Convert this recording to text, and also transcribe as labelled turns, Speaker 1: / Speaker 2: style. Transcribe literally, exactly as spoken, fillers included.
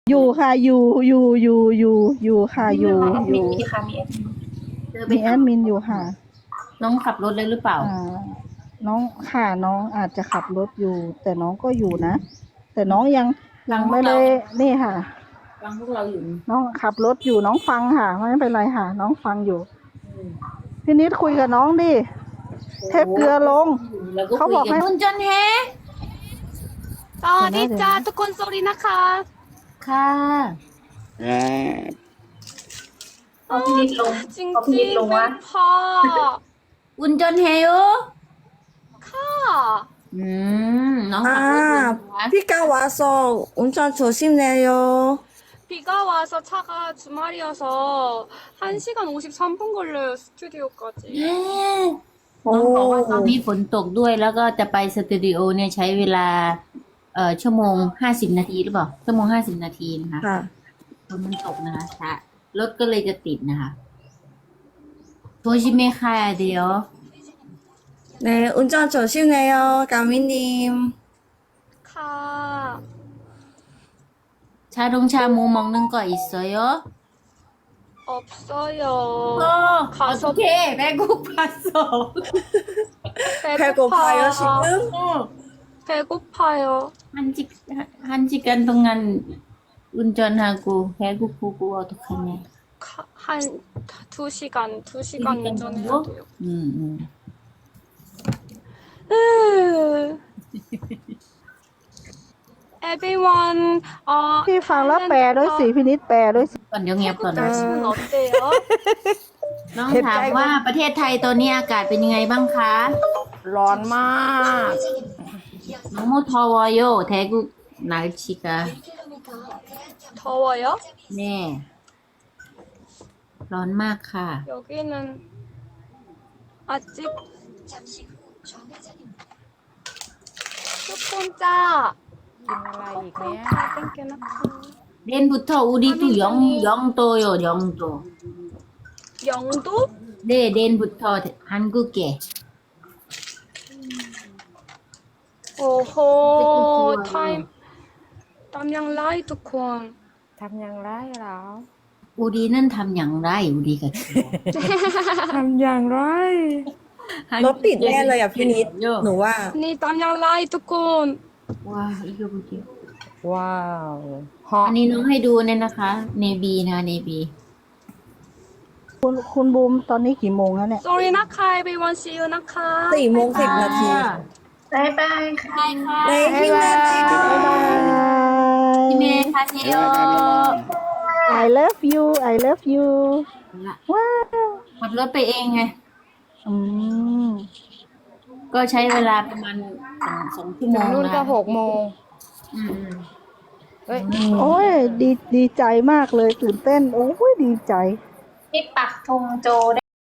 Speaker 1: อยู่ค่ะอยู่อยู่อยู่อยู่อยู่ค่ะอยู่อ
Speaker 2: มี
Speaker 1: ยู่
Speaker 2: ค่ะมีเดินไป
Speaker 1: มีแอ
Speaker 2: หา
Speaker 1: ดมินอยู่ค่ะ
Speaker 2: น้องขับรถเลยหรือเปล่า
Speaker 1: อ่า น้องค่ะน้องอาจจะขับรถอยู่ แต่น้องก็อยู่นะ แต่น้องยังยังไม่ได้นี่ค่ะ
Speaker 2: ฟังพวกเราอยู่
Speaker 1: น้องขับรถอยู่น้องฟังค่ะไม่เป็นไรค่ะ น้องฟังอยู่
Speaker 2: อืม
Speaker 1: พี่นิดคุยกับน้องดิเทปเกลือลง
Speaker 2: แล้วก็
Speaker 1: เขา
Speaker 2: คุย
Speaker 1: บอก
Speaker 2: กั
Speaker 1: ให้
Speaker 2: นคุณจนเฮ
Speaker 3: สวัสดีจ้า
Speaker 1: เดี๋ยวนะ
Speaker 3: ทุกคนสวัสดีนะคะ
Speaker 2: ค่ะเอาพี่นิดลง
Speaker 3: จริง
Speaker 2: เอา
Speaker 3: จ
Speaker 2: พี่
Speaker 3: ริ
Speaker 2: นิ
Speaker 3: ง
Speaker 2: ดลง
Speaker 3: ไม่
Speaker 2: วะ
Speaker 3: พอ
Speaker 2: คุณจนเฮโอ
Speaker 3: ค่ะ
Speaker 2: อืมน้องขับรถอยู่นะ
Speaker 4: 아, 비가 와서 운전 조심해요.
Speaker 3: 비가 와서 차가 주말이어서 한 시간 오십삼 분 걸려요 스튜디오까지.
Speaker 2: น้องบอกว่าตอนนี้ฝนตกด้วยแล้วก็จะไปสตูดิโอเนี่ยใช้เวลา เอ่อชั่วโมงห้าสิบนาทีหรือเปล่าชั่วโมงห้าสิบนาทีนะคะ
Speaker 4: 아,
Speaker 2: ฝนมันตกนะคะช้ารถก็เลยจะติดนะคะโทชิเมคายเดียว
Speaker 4: 네, 운전 조심해요, 가미님.
Speaker 3: 가.
Speaker 2: ชาดงชาหมูมองนึงก็อีกเยอะ
Speaker 3: 없어요.
Speaker 2: โอ้
Speaker 3: 가서
Speaker 2: โอเคแม่กูพัสโซ
Speaker 4: 배고파요, 지금?
Speaker 3: 배고파요.
Speaker 2: ฮันจิฮันจิกันตรงนั้นอุนจอนฮากูแพ้กูกูกูเอาทุกคะแนน
Speaker 3: 가- 한 두 시간, 두 시간
Speaker 2: 시간
Speaker 3: 운전해야
Speaker 2: 정도?
Speaker 3: 돼요.
Speaker 2: อืมอืม
Speaker 3: 으. Everyone, 어,
Speaker 1: พี่ฟังแล้วแปลด้วยสิพี่นิดแปลด้วยสิ
Speaker 2: ก่อนเดี๋ยวเงียบก่อน
Speaker 3: 한국 날씨는 어때요?
Speaker 2: น้องถามว่าประเทศไทยตอนนี้อากาศเป็นยังไงบ้างคะ
Speaker 4: ร้อนมาก
Speaker 2: น้องโมทอวโยแทกุนาชิกา
Speaker 3: 더워요?
Speaker 2: แน่ร้อนมากค่ะ
Speaker 3: 여기는 아직 조금 짜.
Speaker 5: กินอะไรอีกเนี่ย
Speaker 3: 다 땡겨놓고.
Speaker 2: เดนบุตรอุดิตุยองยองโตโยยองโต
Speaker 3: 영도?
Speaker 2: เดเดนบุตรฮันกุเกะ
Speaker 3: 오호, 타임. 땀양 라이 두콘.
Speaker 5: ทำอย่างไรเหรอ
Speaker 2: อุดีนั่นทำอย่างไรอุดีกับ
Speaker 5: ทำอย่างไร
Speaker 4: รถติดแน่เลยอ่ะพี่นิด หนูว่า
Speaker 3: 니 땀양 라이 두콘.
Speaker 2: ว้าอีกแล้วบุตร
Speaker 5: ว้าวฮอ
Speaker 2: อันนี้น้องให้ดูเนี่ยนะคะเนบีนะเนบี
Speaker 1: คุณคุณบูมตอนนี้กี่โมงแล้วเนี่ย
Speaker 3: Sorry 나카, everyone. See you 나카.
Speaker 4: สี่โมงสิบนาที
Speaker 2: บายบายค่ะ
Speaker 4: 네, 힘내세요.
Speaker 2: พี่เมย์คาเซโย
Speaker 1: I love you I love you ว้าว
Speaker 2: ขับรถไปเองไง
Speaker 1: อืม
Speaker 2: ก็ใช้เวลาประมาณสองสองชั่วโม
Speaker 5: ถึง
Speaker 2: ง
Speaker 5: นู่นก็
Speaker 2: นะ
Speaker 5: หกโมง
Speaker 2: อืม
Speaker 5: เฮ้ย
Speaker 1: โอ้ยดีดีใจมากเลยตื่นเต้น โอ้ยดีใจ
Speaker 2: พี่ปักธงโจได้